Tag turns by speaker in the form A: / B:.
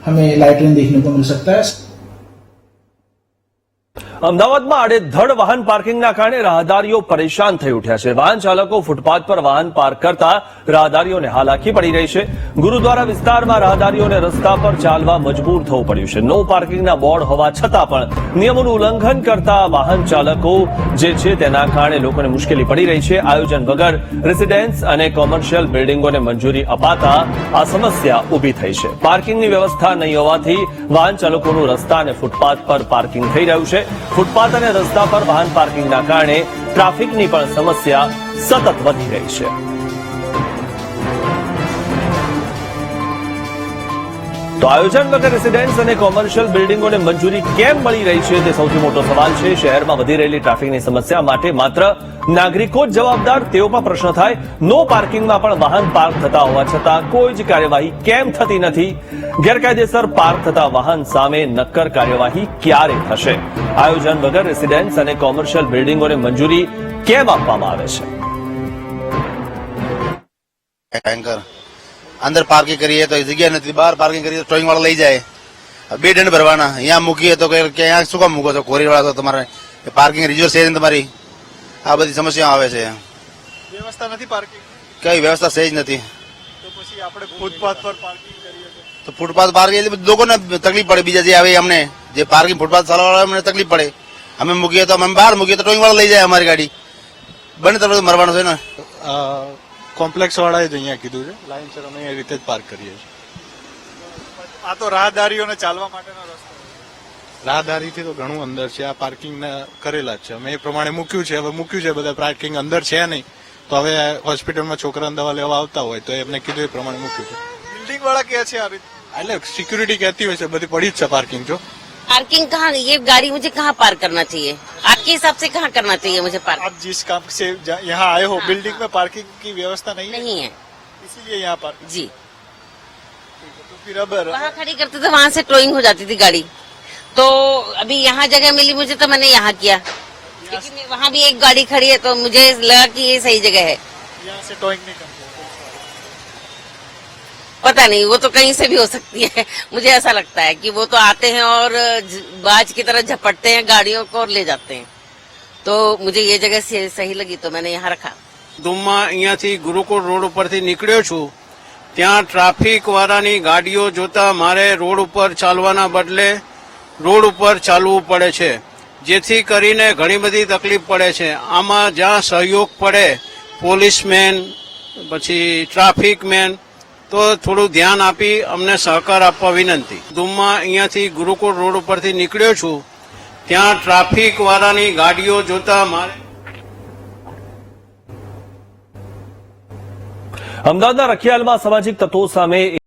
A: हमें लाइटनिंग देखने को मिल सकता है।
B: અમદાવાદમાં આડેધડ વાહન પાર્કિંગના કારણે રાહદારીઓ પરેશાન થઈ ઉઠ્યા છે। વાહન ચાલકો ફૂટપાથ પર વાહન પાર્ક કરતા રાહદારીઓને હાલાકી પડી રહી છે। ગુરુદ્વારા વિસ્તારમાં રાહદારીઓને રસ્તા પર ચાલવા મજબૂર થવું પડ્યું છે। નો પાર્કિંગના બોર્ડ હોવા છતાં પણ નિયમોનું ઉલ્લંઘન કરતા વાહન ચાલકો જે છે તેના કારણે લોકોને મુશ્કેલી પડી રહી છે। આયોજન વગર રેસિડેન્સ અને કોમર્શિયલ બિલ્ડિંગોને મંજૂરી અપાતા આ સમસ્યા ઊભી થઈ છે। પાર્કિંગની વ્યવસ્થા નહીં હોવાથી વાહન ચાલકોનું રસ્તા અને ફૂટપાથ પર પાર્કિંગ થઈ રહ્યું છે। ફૂટપાથ અને રસ્તા પર વાહન પાર્કિંગના કારણે ટ્રાફિકની પણ સમસ્યા સતત વધી રહી છે। તો આયોજન વગર રેસિડેન્સ અને કોમર્શિયલ બિલ્ડિંગોને મંજૂરી કેમ મળી રહી છે તે સૌથી મોટો સવાલ છે। શહેરમાં વધી રહેલી ટ્રાફિકની સમસ્યા માટે માત્ર નાગરિકો જ જવાબદાર તેવો પણ પ્રશ્ન થાય। નો પાર્કિંગમાં પણ વાહન પાર્ક થતા હોવા છતાં કોઈ જ કાર્યવાહી કેમ થતી નથી? ગેરકાયદેસર પાર્ક થતા વાહન સામે નક્કર કાર્યવાહી ક્યારે થશે? આયોજન વગર રેસિડેન્સ અને કોમર્શિયલ બિલ્ડિંગોને મંજૂરી કેમ આપવામાં આવે છે?
C: अंदर पार्किंग करिए तो जगह नहीं, बाहर पार्किंग करिए तो टोइंग वाला ले जाए, बे दंड भरवाना, यहाँ मूकीए तो यहाँ શું કામ મૂકો છો? કોરી વાળા તો તમારે પાર્કિંગ રિઝર્વ છે તમારી, આ બધી સમસ્યાઓ આવે છે।
D: વ્યવસ્થા નથી પાર્કિંગ,
C: કઈ વ્યવસ્થા છે જ નથી।
D: તો પછી આપણે ફૂટપાથ પર પાર્કિંગ કરીએ
C: તો ફૂટપાથ પાર્કિંગ લોકોને તકલીફ પડે, બીજા જે આવે અમને જે પાર્કિંગ ફૂટપાથ ચાલવાવાળા અમને તકલીફ પડે। અમે મૂકીએ તો અમે બહાર મૂકીએ તો ટોઈંગ વાળા લઈ જાય અમારી ગાડી, બંને તરફ મરવાનું છે ને।
D: કોમ્પ્લેક્સ વાળાએ જ અહીંયા કીધું છે લાઈનસર અમે એ રીતે જ પાર્ક કરીએ છીએ। આ તો રાહદારીઓને ચાલવા માટેનો રસ્તો, રાહદારીથી તો ઘણું અંદર છે, આ પાર્કિંગ કરેલા જ છે, અમે એ પ્રમાણે મૂક્યું છે। હવે મૂક્યું છે બધા પાર્કિંગ અંદર છે નહીં, તો હવે હોસ્પિટલમાં છોકરાને દવા લેવા આવતા હોય તો એમને કીધું એ પ્રમાણે મૂક્યું છે। બિલ્ડિંગ વાળા કહે છે આ રીતે, એટલે સિક્યુરિટી કહેતી હોય છે બધી પડી જ છે પાર્કિંગ। જો
E: पार्किंग कहाँ, ये गाड़ी मुझे कहाँ पार्क करना चाहिए? आपके हिसाब से कहाँ करना चाहिए मुझे पार्क?
D: आप जिस काम से यहाँ आए हो, बिल्डिंग में पार्किंग की व्यवस्था नहीं है,
E: नहीं है
D: इसीलिए यहाँ पार्क।
E: जी।
D: तो फिर अब
E: वहाँ खड़ी करते थे, वहाँ से टोइंग हो जाती थी गाड़ी, तो अभी यहाँ जगह मिली मुझे तो मैंने यहाँ किया, लेकिन वहाँ भी एक गाड़ी खड़ी है तो मुझे लगा कि ये सही जगह है।
D: यहाँ से टोइंग नहीं करते,
E: पता नहीं, वो तो कहीं से भी हो सकती है। मुझे ऐसा लगता है कि वो तो आते हैं और बाज की तरह झपटते हैं गाड़ियों को और ले जाते हैं, तो मुझे ये जगह सही लगी तो मैंने यहाँ रखा।
F: ધૂમમાં અહીંયાથી ગુરુકુળ રોડ ઉપરથી નીકળ્યો છું, ત્યાં ટ્રાફિક વાળાની ગાડીઓ જોતા મારે રોડ ઉપર ચાલવાના બદલે રોડ ઉપર ચાલવું પડે છે, જેથી કરીને ઘણી બધી તકલીફ પડે છે। આમાં જ્યાં સહયોગ પડે પોલીસમેન પછી ટ્રાફિક મેન તો થોડું ધ્યાન આપી અમને સહકાર આપવા વિનંતી। ધૂમમાં અહીંયાથી ગુરુકુળ રોડ ઉપરથી નીકળ્યો છું, ત્યાં ટ્રાફિક વાળાની ગાડીઓ જોતા મારે
B: અમદાવાદના રખિયાલમાં સામાજિક તત્વો સામે